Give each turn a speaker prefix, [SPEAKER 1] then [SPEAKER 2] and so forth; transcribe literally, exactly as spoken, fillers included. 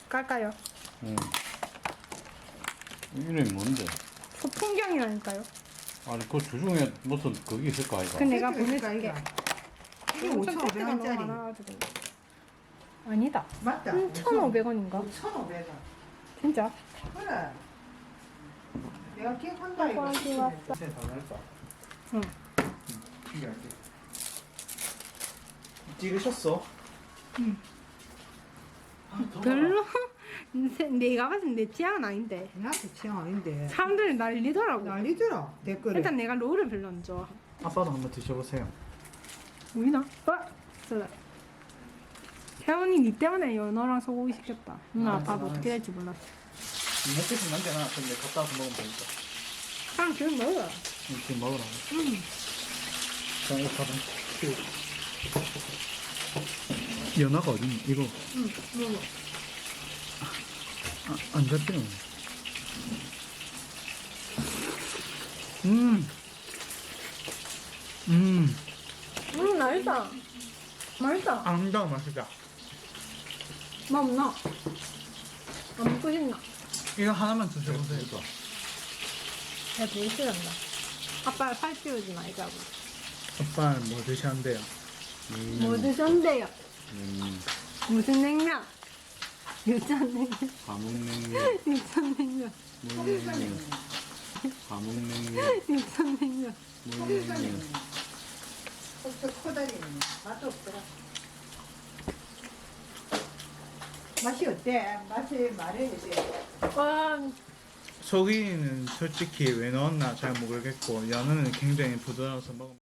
[SPEAKER 1] 깔까요?
[SPEAKER 2] 응. 이름이 뭔데?
[SPEAKER 1] 소풍경이라니까요.
[SPEAKER 2] 아니 그 주중에 무슨 그게 있을까 이거?
[SPEAKER 1] 그 내가
[SPEAKER 3] 세트가
[SPEAKER 1] 보내줄게.
[SPEAKER 3] 이게
[SPEAKER 1] 엄청
[SPEAKER 3] 오천오백
[SPEAKER 1] 세트가 너무
[SPEAKER 3] 원짜리.
[SPEAKER 1] 많아가지고. 아니다.
[SPEAKER 3] 맞다.
[SPEAKER 1] 천오백 원인가?
[SPEAKER 3] 오천오백 원.
[SPEAKER 1] 진짜?
[SPEAKER 3] 그래. 내가 기억한다 이거.
[SPEAKER 1] 아이고, 왔다.
[SPEAKER 4] 새 달랄까?
[SPEAKER 1] 응.
[SPEAKER 4] 신기하게. 찍으셨어?
[SPEAKER 1] 별로 내- 내가 봤을 때 내 취향은 아닌데
[SPEAKER 3] 나한테 취향 아닌데.
[SPEAKER 1] 사람들이 난리더라고.
[SPEAKER 3] 난리더라 댓글에.
[SPEAKER 1] 일단 내가 롤을 별로 안 좋아.
[SPEAKER 4] 아빠도 한번 드셔보세요.
[SPEAKER 1] 보이나? 어? 그래. 태훈이 니 때문에 연어랑 소고기 시켰다. 응,
[SPEAKER 4] 아,
[SPEAKER 1] 아빠도
[SPEAKER 4] 아,
[SPEAKER 1] 어떻게 될지 몰랐어.
[SPEAKER 4] 먹겠으면 남겨놔. 근데 갔다 와서 먹으면 되니까.
[SPEAKER 1] 그냥 지금 먹어.
[SPEAKER 4] 응, 지금 먹으라고.
[SPEAKER 1] 응.
[SPEAKER 4] 자, 이거 가방. 연어가 어딨니? 이거.
[SPEAKER 1] 응, 먹어.
[SPEAKER 4] 아, 안 잡히네. 음. 음.
[SPEAKER 1] 음, 맛있다. 맛있다.
[SPEAKER 4] 앙당 맛이다.
[SPEAKER 1] 맛 없나? 안 먹고 싶나?
[SPEAKER 4] 이거 하나만 드셔보세요.
[SPEAKER 2] 이거.
[SPEAKER 1] 야, 되게 싫어한다. 아빠 팔 찌우지 말자고.
[SPEAKER 4] 아빠는 뭐 드셨는데요?
[SPEAKER 2] 음.
[SPEAKER 1] 뭐 드셨는데요?
[SPEAKER 2] 음.
[SPEAKER 1] 무슨 냉면? 유천 냉면.
[SPEAKER 2] 감흥냉면.
[SPEAKER 1] 유천 냉면.
[SPEAKER 2] 물냉면. 감흥냉면.
[SPEAKER 1] 유천 냉면.
[SPEAKER 2] 물냉면.
[SPEAKER 3] 저 코다리는 맛도 없더라. 맛이 어때? 맛이 말해야지.
[SPEAKER 1] 와,
[SPEAKER 4] 소고기는 솔직히 왜 넣었나 잘 모르겠고 연어는 굉장히 부드러워서 먹으면